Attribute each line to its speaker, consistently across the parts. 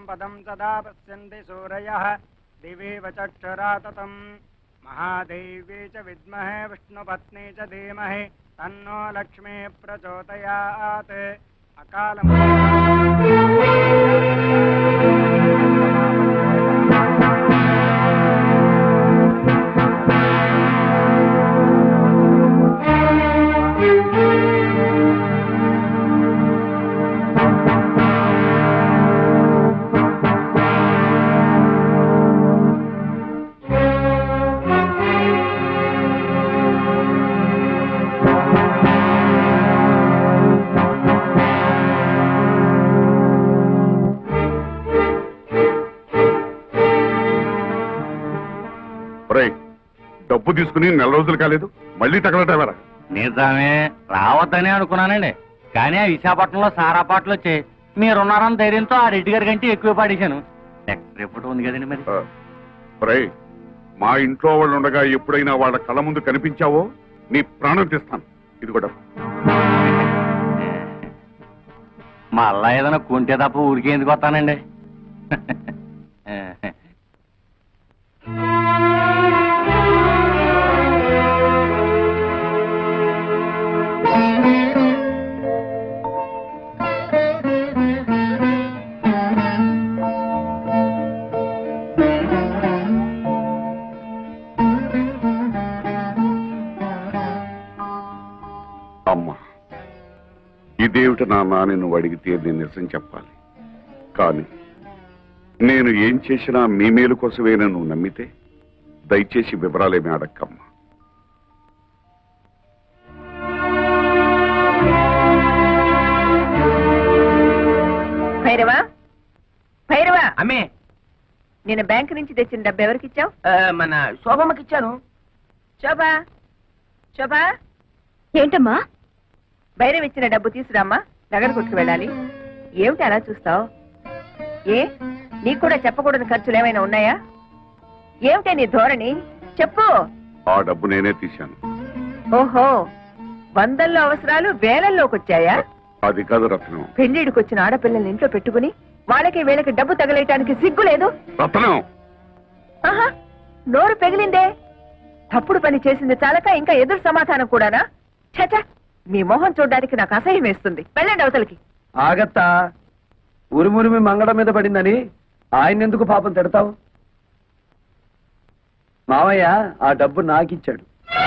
Speaker 1: पदं सदा पश्यन्ति सूरयः दिवेव चक्षुरा ततं महादेव्यै च विद्महे विष्णुपत्नी च धीमहि तन्नो लक्ष्मी प्रचोदयात्
Speaker 2: డబ్బు తీసుకుని నెల రోజులు కాలేదు మళ్ళీ తగలటవరా?
Speaker 3: నిజమే, రావద్దని అనుకున్నానండి. కానీ ఆ విశాఖపట్నంలో సారా పాటలు వచ్చాయి. మీరున్నారని ధైర్యంతో ఆ రెడ్డి గారి కంటే ఎక్కువ పాడేశాను. నెక్స్ట్ రిపోర్ట్ ఉంది కదండి మరి.
Speaker 2: మా ఇంట్లో వాళ్ళు ఉండగా ఎప్పుడైనా వాళ్ళ కళ్ళ ముందు కనిపించావో నీ ప్రాణం తీస్తాను. ఇది కూడా
Speaker 3: మళ్ళా ఏదైనా కొంటే తప్ప ఊరికే ఎందుకు వస్తానండి.
Speaker 2: అమ్మా, ఇదేమిటి నాన్న అని నువ్వు అడిగితే నేను నిజం చెప్పాలి. కానీ నేను ఏం చేసినా మీ మేలు కోసమేనా నువ్వు నమ్మితే దయచేసి వివరాలేమీ అడక్కమ్మా.
Speaker 4: భైరవా, భైరవా,
Speaker 3: అమ్మే,
Speaker 4: నేను బ్యాంక్ నుంచి తెచ్చిన డబ్బు ఎవరికి ఇచ్చావు?
Speaker 3: మన శోభమ్మకి ఇచ్చాను.
Speaker 4: శోభా, శోభా,
Speaker 5: ఏంటమ్మా?
Speaker 4: భైరవ్ ఇచ్చిన డబ్బు తీసురామ్మా, నగర కొట్టుకు వెళ్ళాలి. ఏమిటి అలా చూస్తావు? ఏ, నీకు కూడా చెప్పకూడని ఖర్చులు ఏమైనా ఉన్నాయా? ఏమిటే నీ ధోరణి? చెప్పు.
Speaker 2: ఆ డబ్బు నేనే తీశాను.
Speaker 4: ఓహో, వందల్లో అవసరాలు వేలల్లోకి వచ్చాయా?
Speaker 2: అది కాదు రత్నం.
Speaker 4: పెళ్లిడికి వచ్చిన ఆడపిల్లల్ని ఇంట్లో పెట్టుకుని వాళ్ళకి వీళ్ళకి డబ్బు తగలేయటానికి సిగ్గు లేదు?
Speaker 2: రత్నం,
Speaker 4: ఆహా, నోరు పెగిలిందే. తప్పుడు పని చేసింది చాలక ఇంకా ఎదురు సమాధానం కూడానా? చచ, మీ మొహం చూడడానికి నాకు అసహ్యం వేస్తుంది. వెళ్ళండి అవతలకి.
Speaker 6: ఆగత్తా, ఉరుమురిమి మంగళం మీద పడిందని ఆయన ఎందుకు పాపం తిడతావు? మావయ్య ఆ డబ్బు నాకిచ్చాడు.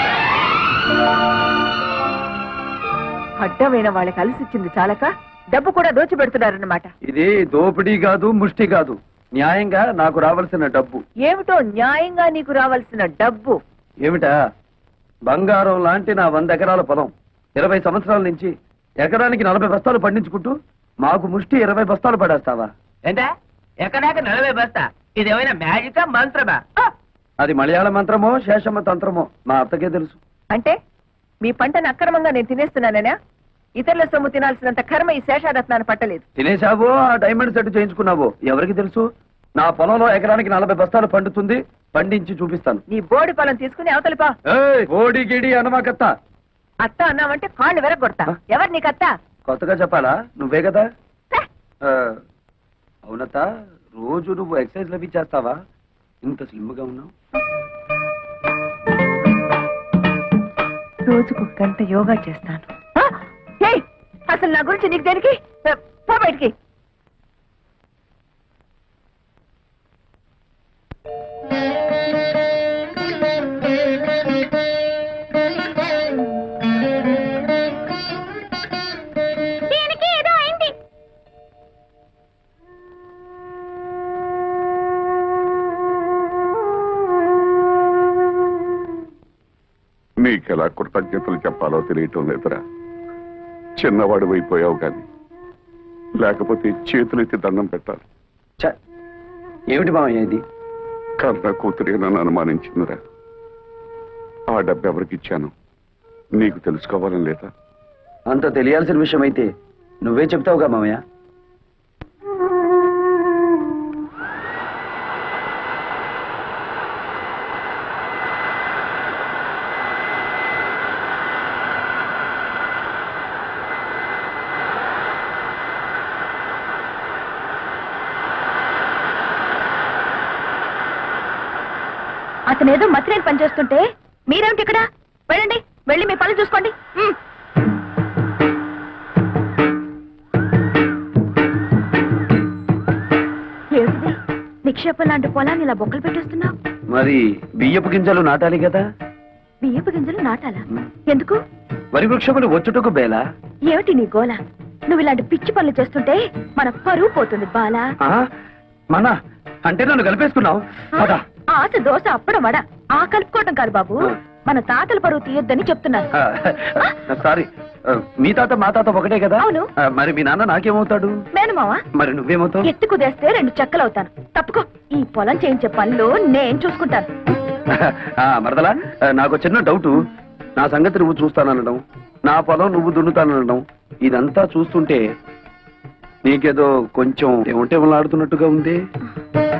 Speaker 4: అడ్డమైన వాళ్ళకి అలసిచ్చింది చాలక డబ్బు కూడా దోచిపెడుతున్నారన్నమాట.
Speaker 6: ఇది దోపిడీ కాదు, ముష్టి కాదు, న్యాయంగా నాకు రావాల్సిన డబ్బు.
Speaker 4: ఏమిటో న్యాయంగా నీకు రావాల్సిన డబ్బు?
Speaker 6: ఏమిటా? బంగారం లాంటి నా 100 ఎకరాల పొలం 20 సంవత్సరాల నుంచి ఎకరానికి 40 బస్తాలు పండించుకుంటూ మాకు ముష్టి 20 బస్తాలు పడేస్తావా?
Speaker 3: ఏంటా ఎక్కడాక 40 బస్తా? ఇదేమైనా మ్యాజికా మంత్రమా?
Speaker 6: అది మలయాళ మంత్రమో శేషమ్మ తంత్రమో మా అత్తకే తెలుసు.
Speaker 4: అంటే మీ పంటను అక్రమంగా నేను తినేస్తున్నానేనా? ఇతరుల సొమ్ము తినాల్సినంత కర్మ ఈ శేషారత్నాన్ని పట్టలేదు.
Speaker 6: తినేశావో ఆ డైమండ్ సెట్ చేయించుకున్నావో ఎవరికి తెలుసు? నా పొలంలో ఎకరానికి 40 బస్తాలు పండుతుంది, పండించి చూపిస్తాను.
Speaker 4: నీ బోడి పొలం తీసుకుని అవతలిపా.
Speaker 6: ఓడి గిడి అనమాకత్త.
Speaker 4: అత్త అన్నావంటే కాళ్ళు వెరగొడతా. ఎవరు నీకత్త?
Speaker 6: కొత్తగా చెప్పాలా? నువ్వే కదా. అవునత్త, రోజు నువ్వు ఎక్సర్సైజ్ లవి చేస్తావా? ఇంత స్లిమ్ గా ఉన్నావు.
Speaker 4: రోజుకు గంట యోగా చేస్తాను. అసలు నా గురించి నీకు దేనికి? పో బయటికి.
Speaker 2: నీకెలా కృతజ్ఞతలు చెప్పాలో తెలియటం లేదురా. చిన్నవాడు అయిపోయావు కానీ లేకపోతే చేతులెత్తి దండం పెట్టాలి.
Speaker 6: ఏమిటి మామయ్య ఇది?
Speaker 2: కన్న కూతురే నన్ను అనుమానించిందిరా. ఆ డబ్బు ఎవరికి ఇచ్చాను నీకు తెలుసుకోవాలని లేదా?
Speaker 6: అంత తెలియాల్సిన విషయం అయితే నువ్వే చెప్తావుగా మామయ్య.
Speaker 4: అతనేదో మతిరేని పని చేస్తుంటే మీరేమిటి ఇక్కడ? వెళ్ళండి, వెళ్ళి మీ పనులు చూసుకోండి. ఏమిటిది? నిక్షేపం లాంటి పొలాన్ని ఇలా బొక్కలు పెట్టేస్తున్నావు.
Speaker 6: మరి బియ్యపు గింజలు నాటాలి కదా.
Speaker 4: బియ్యపు గింజలు నాటాలా? ఎందుకు?
Speaker 6: వరి వృక్షములు వచ్చుటకు బేలా.
Speaker 4: ఏమిటి నీ గోల? నువ్వు ఇలాంటి పిచ్చి పనులు చేస్తుంటే మన పరువు పోతుంది బాలా.
Speaker 6: మన అంటే నన్ను కలిపేసుకున్నావు.
Speaker 4: ఆశ దోశ అప్పడం వడ ఆ కలుపుకోవటం కాదు బాబు, మన తాతల పరువు తీయొద్దని చెప్తున్నాను.
Speaker 6: సారీ, మీ తాత మా తాత ఒకటే కదా.
Speaker 4: అవును.
Speaker 6: మరి మీ నాన్న నాకేమవుతాడు?
Speaker 4: మేనమావా.
Speaker 6: మరి నువ్వేమవుతావు?
Speaker 4: ఎత్తు కుదేస్తే 2 చెక్కలవుతాను. తప్పుకో, ఈ పొలం చేయించే పనులు నేను చూసుకుంటాను.
Speaker 6: మరదలా, నాకు చిన్న డౌట్. నా సంగతి నువ్వు చూస్తాననడం, నా పొలం నువ్వు దున్నుతాననడం, ఇదంతా చూస్తుంటే నీకేదో కొంచెం ఏమంటే ఆడుతున్నట్టుగా ఉంది.